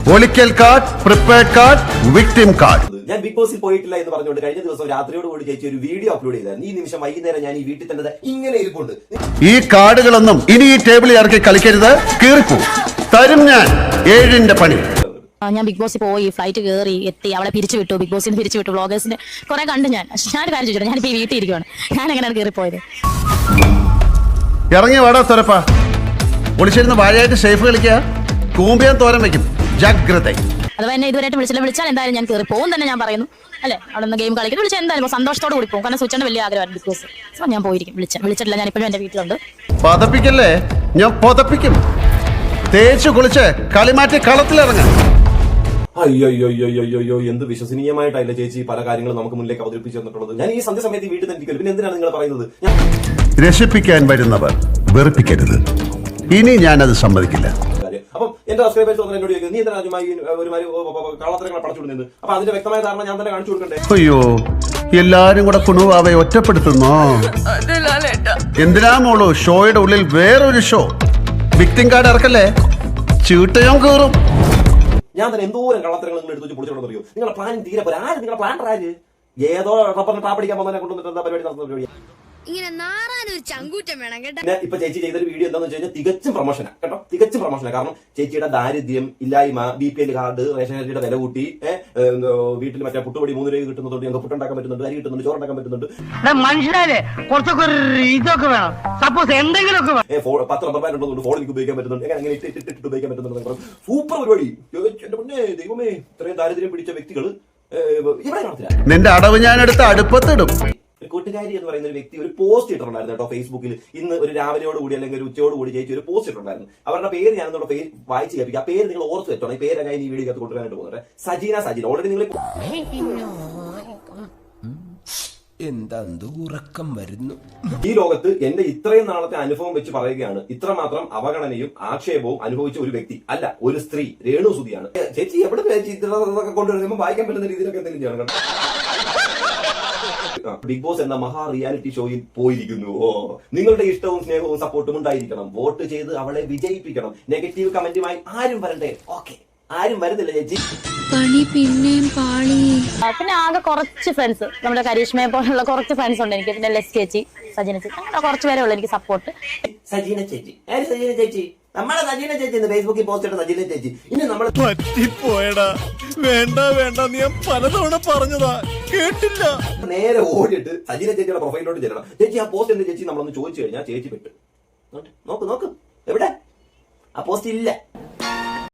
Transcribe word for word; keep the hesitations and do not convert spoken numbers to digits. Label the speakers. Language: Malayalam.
Speaker 1: ഒളിക്കൽ card, prepared card, victim card.
Speaker 2: ഞാൻ ബിഗ് ബോസിൽ പോയിട്ടില്ല എന്ന് പറഞ്ഞുകൊണ്ട് കഴിഞ്ഞ ദിവസം രാത്രിയോട് കൂടി ചേച്ചി ഒരു വീഡിയോ അപ്ലോഡ് ചെയ്തായിരുന്നു. ഈ നിമിഷം വൈകുന്നേരം ഞാൻ ഈ വീട്ടിൽ തന്നെ ഇങ്ങനെ ഇരിപ്പുണ്ട്.
Speaker 1: ഈ കാർഡുകളൊന്നും ഇനി ഈ ടേബിളിൽ ഇറക്കി കളിക്കരുത്, കീറിപ്പോ തരും ഞാൻ ഏഴിന്റെ പണി.
Speaker 3: ഞാൻ ബിഗ് ബോസിൽ പോയി, ഫ്ലൈറ്റ് കയറി എത്തി, അവളെ പിരിച്ചു വിട്ടു, ബിഗ് ബോസിന് പിരിച്ചു വിട്ടു, വ്ളോഗേഴ്സിന് കുറെ കണ്ടു. ഞാൻ ഞാനൊരു കാര്യം ചോദിച്ചു, ഞാനിപ്പോ ഈ വീട്ടിൽ ഇരിക്കുവാണ്, ഞാൻ എങ്ങനെയാണ് കയറിപ്പോയത്?
Speaker 1: ഇറങ്ങി വാടാ സ്വരപ്പ. ഒളിച്ചിരുന്ന് വാഴയായിട്ട് ഷേഫ് കളിക്കുക, കൂമ്പിയാൻ തോരൻ വെക്കും. ജാഗ്രത.
Speaker 3: അഥവാ എന്നെ ഇതുവരെയായിട്ട് വിളിച്ചില്ല, വിളിച്ചാൽ എന്തായാലും ഞാൻ കയറി പോകും തന്നെ ഞാൻ പറയുന്നു അല്ലെ. അവിടെ നിന്ന് ഗെയിം കളിക്കുന്നത് വിളിച്ചാൽ എന്തായാലും സന്തോഷത്തോട് കൂടി പോകും. കാരണം സ്വിച്ചിന്റെ വലിയ ആഗ്രഹമാണ് ബിഗ് ബോസ്. സോ ഞാൻ പോയിരിക്കും. വിളിച്ച വിളിച്ചിട്ടില്ല, ഞാൻ ഇപ്പോഴും എന്റെ വീട്ടിലുണ്ട്.
Speaker 1: പതപ്പിക്കല്ലേ, ഞാൻ പൊതപ്പിക്കും. തേച്ചു കുളിച്ച് കളിമാറ്റി കളത്തിലിറങ്ങാം.
Speaker 2: അയ്യോ അയ്യോ അയ്യോ അയ്യോ അയ്യോ എന്ത് വിശ്വസനീയമായിട്ടല്ല ചേച്ചി പല കാര്യങ്ങളും നമുക്ക് മുന്നിലേക്ക് അവതരിപ്പിച്ചു തന്നിട്ടുള്ളത്. ഞാൻ ഈ സന്ധ്യ സമയത്ത് വീട്ടിൽ തന്നെ പിന്നെ എന്തിനാണ് നിങ്ങൾ പറയുന്നത്?
Speaker 1: രക്ഷിപ്പിക്കാൻ വരുന്നവർ വെറുപ്പിക്കരുത്. ഇനി ഞാനത് സമ്മതിക്കില്ല.
Speaker 2: അപ്പം എന്റെ സബ്സ്ക്രൈബേഴ്സ് എന്നോട് ചോദിക്കുന്നത്, നീ എന്തിനാ ഒരുമാതിരി കള്ളത്തരങ്ങളെ പടച്ചുകൊടുക്കുന്നത്? അപ്പൊ അതിന്റെ വ്യക്തമായ ധാരണ ഞാൻ തന്നെ കാണിച്ചു കൊടുക്കണ്ടേ?
Speaker 1: അയ്യോ, എല്ലാരും കൂടെ കുണുവാവെ ഒറ്റപ്പെടുത്തുന്നോ? എന്തിനാ മോളൂ ഷോയുടെ ഉള്ളിൽ വേറൊരു ഷോ? വിക്ടിം കാർഡ് ഇറക്കല്ലേ, ചീട്ടയും കീറും.
Speaker 2: ഞാൻ തന്നെ എന്തോരം കള്ളത്തരങ്ങൾ നിങ്ങൾ എടുത്ത് വെച്ച് പൊളിച്ചോണ്ടെന്നറിയോ? നിങ്ങളുടെ പ്ലാൻ തീരെ പോരാ. ആര് നിങ്ങളുടെ പ്ലാൻ ആര്? ഏതോ റബ്ബറിന് ടാപ്പടിക്കാൻ പോകുന്നതിനെ കൊണ്ടുവന്നിട്ട് എന്താ പരിപാടി നടത്തുന്ന പരിപാടി?
Speaker 4: ഇങ്ങനെ നാറാനൊരു ചങ്കൂറ്റം വേണം കേട്ടോ.
Speaker 2: പിന്നെ ഇപ്പൊ ചേച്ചി ചെയ്തൊരു വീഡിയോ എന്താന്ന് വെച്ച് കഴിഞ്ഞാൽ തികച്ചും പ്രൊമോഷനാണ് കേട്ടോ, തികച്ചും പ്രൊമോഷനാണ്. കാരണം ചേച്ചിയുടെ ദാരിദ്ര്യം ഇല്ലായ്മ, B P L card, ration അരിയുടെ വില കൂട്ടി, വീട്ടിൽ മറ്റേ പുട്ടുപൊടി മൂന്ന് രൂപ കിട്ടുന്നതുകൊണ്ട് ഞങ്ങൾക്ക് പുട്ടുണ്ടാക്കാൻ പറ്റുന്നുണ്ട്, അരി കിട്ടുന്നുണ്ട്, ചോറുണ്ടാക്കാൻ പറ്റുന്നുണ്ട്.
Speaker 5: മനുഷ്യരെ കുറച്ചൊക്കെ ഇതൊക്കെ വേണം, സപ്പോസ് എന്തെങ്കിലുമൊക്കെ
Speaker 2: പത്ത് റബ്ബർ ബാൻഡ് ഉള്ളതുകൊണ്ട് ഫോൺ എനിക്ക് ഉപയോഗിക്കാൻ പറ്റുന്നുണ്ട്, എങ്ങനെ ഇട്ട് ഇട്ട് ഇട്ട് ഉപയോഗിക്കാൻ പറ്റുന്നുണ്ട്. സൂപ്പർ പരിപാടി. എന്റെ മുന്നേ ദൈവമേ, ഇത്രയും ദാരിദ്ര്യം പിടിച്ച വ്യക്തികൾ ഇവിടെ കാണത്തില്ല.
Speaker 1: നിന്റെ അടവ് ഞാൻ എടുത്ത് അടുപ്പത്തിടും.
Speaker 2: ഒരു കൂട്ടുകാരി എന്ന് പറയുന്ന ഒരു വ്യക്തി ഒരു പോസ്റ്റ് ഇട്ടിട്ടുണ്ടായിരുന്നു കേട്ടോ ഫേസ്ബുക്കിൽ. ഇന്ന് ഒരു രാവിലെയോട് കൂടി അല്ലെങ്കിൽ ഒരു ഉച്ചയോട് കൂടി ചേച്ചി ഒരു പോസ്റ്റ് ഇട്ടിട്ടുണ്ടായിരുന്നു. അവരുടെ പേര് ഞാനൊന്നുള്ള പേര് വായിച്ച് കേൾപ്പിക്കും. ആ പേര് നിങ്ങൾ ഓർത്ത് വെച്ചോണം. ഈ പേര് ഞാൻ ഈ വീഡിയോ കൊണ്ടുവരാനായിട്ട് പോകുന്നത് സജീന സജീന. ഓൾറെഡി നിങ്ങൾ
Speaker 6: എന്താ ഉറക്കം വരുന്നു. ഈ
Speaker 2: ലോകത്ത് എന്റെ ഇത്രയും നാളത്തെ അനുഭവം വെച്ച് പറയുകയാണ്, ഇത്രമാത്രം അവഗണനയും ആക്ഷേപവും അനുഭവിച്ച ഒരു വ്യക്തി അല്ല, ഒരു സ്ത്രീ രേണു സുധിയാണ്. ചേച്ചി എവിടെ ചേച്ചി ഇതൊക്കെ കൊണ്ടുവരുമ്പോൾ വായിക്കാൻ പറ്റുന്ന രീതിയിലൊക്കെ എന്തെങ്കിലും ചെയ്യണം കേട്ടോ. ബിഗ് ബോസ് എന്ന മഹാ റിയാലിറ്റി ഷോയിൽ പോയിരിക്കുന്നു. ഓ, നിങ്ങളുടെ ഇഷ്ടവും സ്നേഹവും സപ്പോർട്ടും ഉണ്ടായിരിക്കണം. വോട്ട് ചെയ്ത് അവളെ വിജയിപ്പിക്കണം. നെഗറ്റീവ് കമന്റുമായി ആരും വരണ്ടേ? ഓക്കെ, ആരും വരുന്നില്ല ചേച്ചി.
Speaker 4: പണി പിന്നെയും പാളി.
Speaker 3: പിന്നെ ആകെ കുറച്ച് ഫ്രണ്ട്സ്, നമ്മുടെ കരീഷ്മയെ പോലുള്ള കുറച്ച് ഫ്രണ്ട്സ് ഉണ്ട് എനിക്ക്. പിന്നെ ലെസ് ചേച്ചി, സജീന ചേച്ചി, അങ്ങനെ കുറച്ച് പേരെ ഉള്ളു എനിക്ക് സപ്പോർട്ട്.
Speaker 2: സജീന ചേച്ചി, സജീന ചേച്ചി, നമ്മളെ സജീന ചേച്ചി ഫേസ്ബുക്കിൽ പോസ്റ്റ് ഇട്ട സജീന ചേച്ചി. ഇനി നമ്മൾ
Speaker 6: പറ്റിപ്പോയടാ, വേണ്ട വേണ്ട, ഞാൻ പലതവണ പറഞ്ഞതാ, കേട്ടില്ല.
Speaker 2: നേരെ ഓടിയിട്ട് സജീന ചേച്ചിയുടെ പ്രൊഫൈലിലോട്ട് ചെല്ലണം. ചേച്ചി ആ പോസ്റ്റ് എന്ത് ചേച്ചി നമ്മളൊന്ന് ചോദിച്ചു കഴിഞ്ഞാൽ ചേച്ചി പെട്ട്. നോക്ക് നോക്ക്, എവിടെ ആ പോസ്റ്റ്? ഇല്ല.